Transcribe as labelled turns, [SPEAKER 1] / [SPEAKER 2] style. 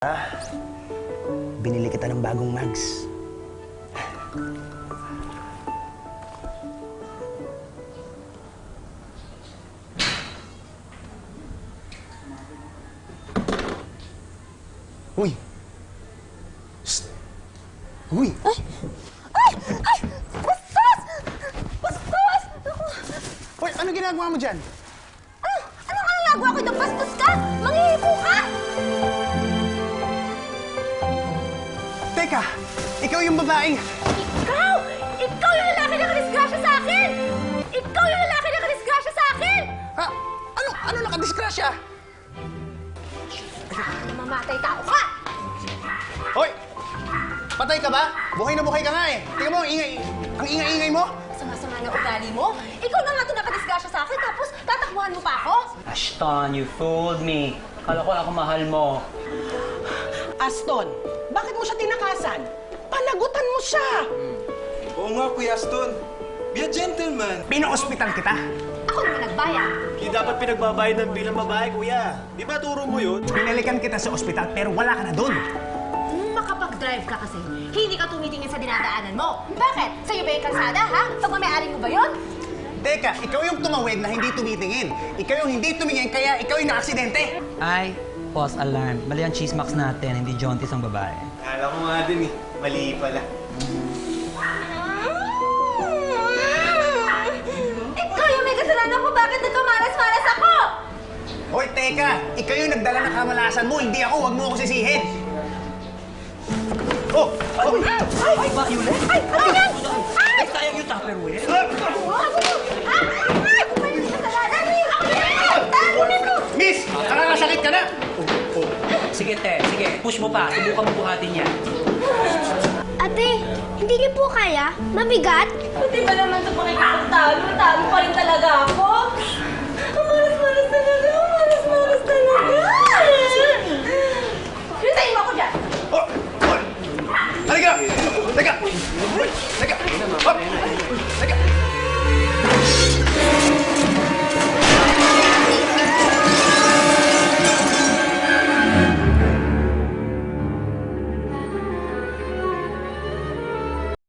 [SPEAKER 1] Binili kita ng bagong mags. Uy! Shhh! Uy!
[SPEAKER 2] Ay! Ay! Ay! Bastos! Bastos!
[SPEAKER 1] Uy, ano ginagawa mo dyan?
[SPEAKER 2] Anong ginagawa ko itong bastos ka? Manghihipo ka!
[SPEAKER 1] Teka! Ikaw yung babaeng...
[SPEAKER 2] Ikaw! Ikaw yung lalaki na kadisgrasya sa akin! Ikaw yung lalaki na kadisgrasya sa akin!
[SPEAKER 1] Ha? Ano nakadisgrasya?
[SPEAKER 2] Mamamatay tao ka!
[SPEAKER 1] Hoy! Patay ka ba? Buhay na buhay ka nga eh. Tingnan mo, ang ingay-ingay mo.
[SPEAKER 2] Sama-sama na ugali mo? Ikaw na nga ito nakadisgrasya sa akin, tapos tatakbuhan mo pa ako?
[SPEAKER 3] Ashton, you fooled me. Kala ko ako mahal mo.
[SPEAKER 4] Aston, bakit mo siya tinakasan? Panagutan mo siya!
[SPEAKER 5] Oo nga, Kuya Aston. Be a gentleman.
[SPEAKER 1] Pina-ospital kita.
[SPEAKER 2] Ako naman nagbayad.
[SPEAKER 5] Hindi dapat pinagbabayad ng bilang babae, Kuya. Di ba turo mo yun?
[SPEAKER 1] Pinalikan kita sa ospital pero wala ka na doon.
[SPEAKER 2] Makapag-drive ka kasi, hindi ka tumitingin sa dinadaanan mo. Bakit? Sa'yo ba yung kalsada, ha? Pagmamayari mo ba yun?
[SPEAKER 1] Teka, ikaw yung tumawid na hindi tumitingin. Ikaw yung hindi tumingin kaya ikaw yung nakaksidente.
[SPEAKER 3] Ay, false alarm. Mali ang chismax natin, hindi jaunties ang babae.
[SPEAKER 5] Kala ko nga din eh. Mali pala.
[SPEAKER 2] Ikaw yung may kasalanan ko, bakit nagkamalas-malas ako?
[SPEAKER 1] Hoy, teka! Ikaw yung nagdala ng kamalasan mo, hindi ako. Huwag mo ako sisihin. Oh! Oh!
[SPEAKER 3] Ay, Violet!
[SPEAKER 2] Ay, ano yan? Ay!
[SPEAKER 3] Sayang yung Tupperware.
[SPEAKER 2] May kasalanan, ako yan! Tago nito!
[SPEAKER 1] Miss! Nakakasakit ka na!
[SPEAKER 3] Sige, te. Sige, push mo pa. Subukan mo buhatin yan.
[SPEAKER 6] Ate, hindi niyo po kaya? Mabigat?
[SPEAKER 2] Buti ba naman ito pakikipagtalo? Talo